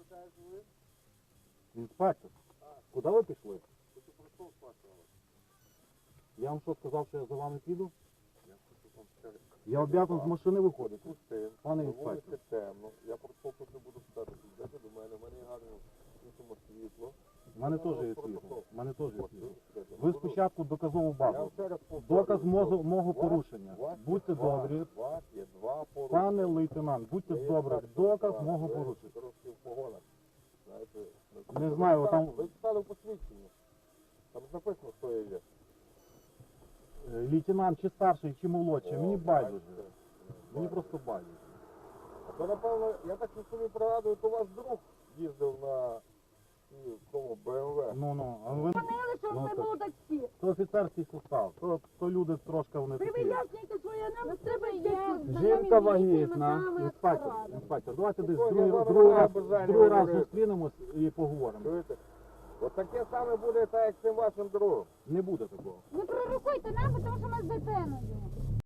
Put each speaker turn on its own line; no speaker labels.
Інспектор, куди ви пішли? Я вам що сказав, що я за вами піду? Я обов'язаний з машини виходити. Пане інспектор.
Темно. Я протокол не буду писати. Йдете до мене, в мене є гарне світло.
У мене теж є світло. У мене теж є світло. Ви спочатку доказову
Я
базу.
вам ще раз повторюю.
Доказ мого порушення. Будьте добрі.
У вас є два порушення.
Пане лейтенант, будьте добрі. Доказ мого порушення.
Трошки в погонах. Знаєте,
Не знаю, там
ви читали в посвідченні. Там написано, хто я є.
лейтенант чи старший, чи молодший. Мені байдуже. Мені просто байдуже.
А то, напевно, я так собі пригадую, то ваш друг їздив на тому БМВ.
Ну, а ви...
Говорили, що
Ну,
ви
то-
молодці.
То офіцерський состав, то люди трошки вони
Ви
такі.
вияснюєте своє нам, треба
Жінка вагітна. Інспектор, давайте десь другий раз зустрінемось і поговоримо.
Чуєте? От таке саме буде, так як з цим вашим другом.
Не буде такого.
Не пророкуйте нам, тому що ми з дитиною.